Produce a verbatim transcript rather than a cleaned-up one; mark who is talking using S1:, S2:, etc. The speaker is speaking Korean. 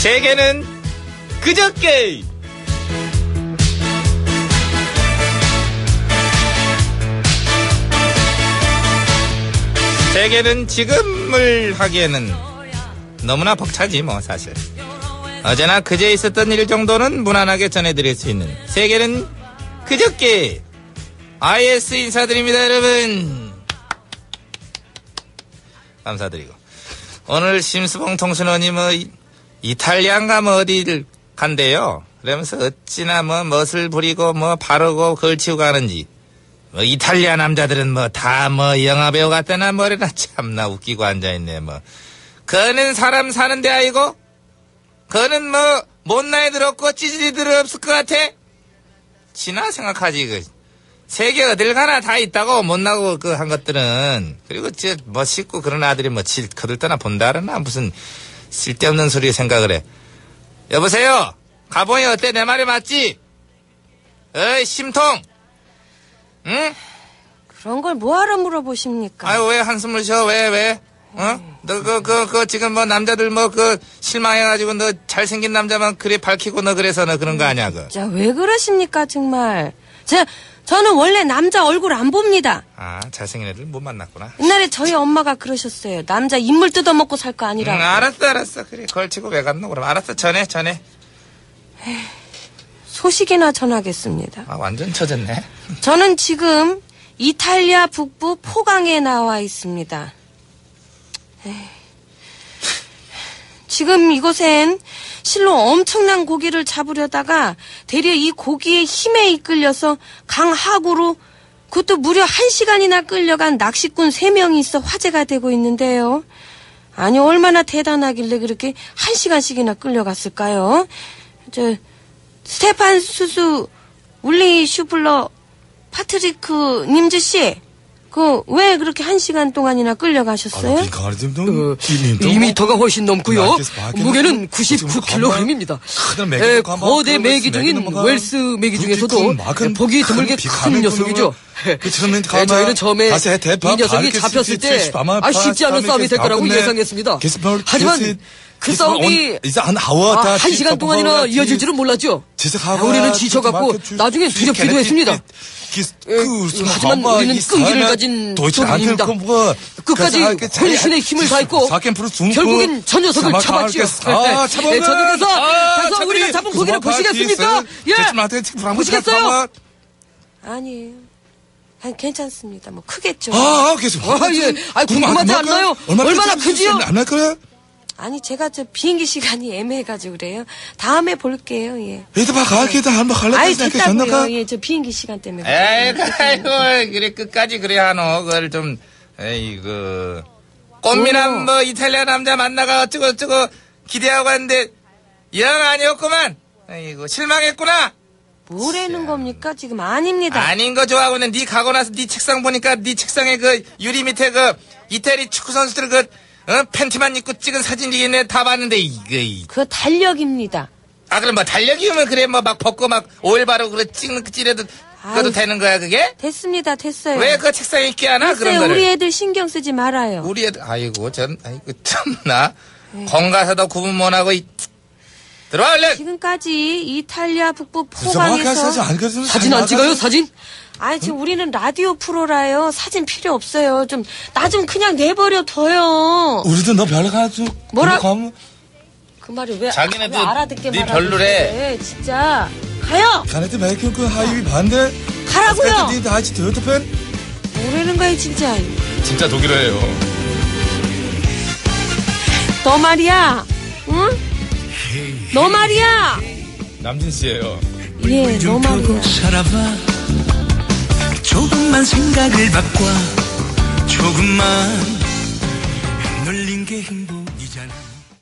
S1: 세계는 그저께. 세계는 지금을 하기에는 너무나 벅차지 뭐 사실. 어제나 그제 있었던 일 정도는 무난하게 전해드릴 수 있는 세계는 그저께. 아이에스 인사드립니다 여러분. 감사드리고 오늘 심수봉 통신원이 뭐 이탈리아인가 뭐 어디를 간대요. 그러면서 어찌나 뭐 멋을 부리고 뭐 바르고 걸치고 가는지. 뭐 이탈리아 남자들은 뭐 다 뭐 영화배우 같다나 뭐래나 참나 웃기고 앉아있네 뭐. 그는 사람 사는데 아이고. 그는 뭐 못나이 들었고 찌질이들 없을 것 같아. 지나 생각하지 그. 세계 어딜 가나 다 있다고 못나고 그 한 것들은. 그리고 저 멋있고 그런 아들이 뭐 질 거들떠나 본다르나 무슨 쓸데없는 소리 생각을 해. 여보세요. 가봉이 어때? 내 말이 맞지? 어이 심통. 응?
S2: 그런 걸 뭐하러 물어보십니까?
S1: 아유 왜 한숨을 쉬어? 왜 왜? 어? 너 그 그 그 지금 뭐 남자들 뭐 그 실망해가지고 너 잘생긴 남자만 그래 밝히고 너 그래서 너 그런 거 아니야 그?
S2: 자 왜 그러십니까 정말? 제 저는 원래 남자 얼굴 안 봅니다.
S1: 아 잘생긴 애들 못 만났구나.
S2: 옛날에 저희 엄마가 그러셨어요. 남자 인물 뜯어먹고 살 거 아니라고.
S1: 응, 알았어 알았어. 그래 걸치고 왜 갔노 그럼. 알았어 전해 전해.
S2: 소식이나 전하겠습니다.
S1: 아 완전 처졌네.
S2: 저는 지금 이탈리아 북부 포강에 나와 있습니다. 에이. 지금 이곳엔 실로 엄청난 고기를 잡으려다가 대려 이 고기의 힘에 이끌려서 강 하구로 그것도 무려 한 시간이나 끌려간 낚시꾼 세 명이 있어 화제가 되고 있는데요. 아니 얼마나 대단하길래 그렇게 한 시간씩이나 끌려갔을까요? 저 스테판 수수 울리 슈플러 파트리크 님즈 씨, 그 왜 그렇게 한 시간 동안이나 끌려가셨어요?
S3: 어, 이 미터가 훨씬 넘고요. 무게는 구십구 킬로그램입니다. 에, 거대 메기 중인 웰스 메기 중에서도 보기 드물게 큰 녀석이죠. 에, 저희는 처음에 이 녀석이 잡혔을 때 아, 쉽지 않은 싸움이 될 거라고 예상했습니다. 하지만 그 싸움이 아, 한 시간 동안이나 이어질 줄은 몰랐죠. 아, 우리는 지쳐갖고 나중에 두렵기도 했습니다. 에, 하지만 우리는 끈기를 가진 소들입니다. 끝까지 혼신의 힘을 다했고 결국엔 저 녀석을 잡았죠. 아, 네, 저녁에서 가서 우리가 잡은 고기를 보시겠습니까? 예, 보시겠어요? 아니에요. 아니, 괜찮습니다. 뭐 크겠죠. 아, 계속. 아, 예. 아, 궁금하지 않나요? 얼마나 크지요? 안 할 거야?
S2: 아니 제가 저 비행기 시간이 애매해가지고 그래요. 다음에 볼게요. 예.
S3: 얘도 봐 가게다 한번 갈라.
S2: 아이 됐다고요. 예, 저 비행기 시간 때문에.
S1: 에이, 아이고 그래 끝까지 그래 하노. 그걸 좀 에이그 꽃미남 뭐 이탈리아 남자 만나가 어쩌고 어쩌고 기대하고 왔는데 영 아니었구만. 에이고 실망했구나.
S2: 뭐라는 겁니까? 지금 아닙니다.
S1: 아닌 거 좋아하고는 네 가고 나서 네 책상 보니까 네 책상에 그 유리 밑에 그 이태리 축구 선수들 그 어? 팬티만 입고 찍은 사진이 내 다 봤는데 이거
S2: 그거 달력입니다.
S1: 아 그럼 뭐 달력이면 그래 뭐 막 벗고 막 오일 바르고 그래 찍는 그 찌려도 그것도 되는 거야 그게?
S2: 됐습니다 됐어요.
S1: 왜 그 책상에 있게 하나
S2: 됐어요.
S1: 그런 거를?
S2: 우리 애들 신경 쓰지 말아요.
S1: 우리 애들 아이고 전 아이고 참나 건가서도 구분 못하고 이 들어와 얼른.
S2: 지금까지 이탈리아 북부 포강에서
S3: 사진 안 찍어요 사진?
S2: 아니 지금 우리는 라디오 프로라요. 사진 필요 없어요. 좀 나 좀 그냥 내버려 둬요.
S3: 우리도 너 별로 가지고
S2: 뭐라? 그 말이 왜
S1: 자기네도
S2: 왜 알아듣게
S1: 네
S2: 말하고
S1: 별로래.
S2: 있어. 진짜 가요.
S3: 자네들 매일 그 하이위 반대.
S2: 가라고요.
S3: 니 다시 더더 팬.
S2: 뭐라는 거야 진짜.
S1: 진짜 독일어예요.
S2: 너 말이야. 응? 너 말이야.
S1: 남진 씨예요.
S2: 예, 너 말이야.
S4: 살아봐. 조금만 생각을 바꿔 조금만 놀린 게 행복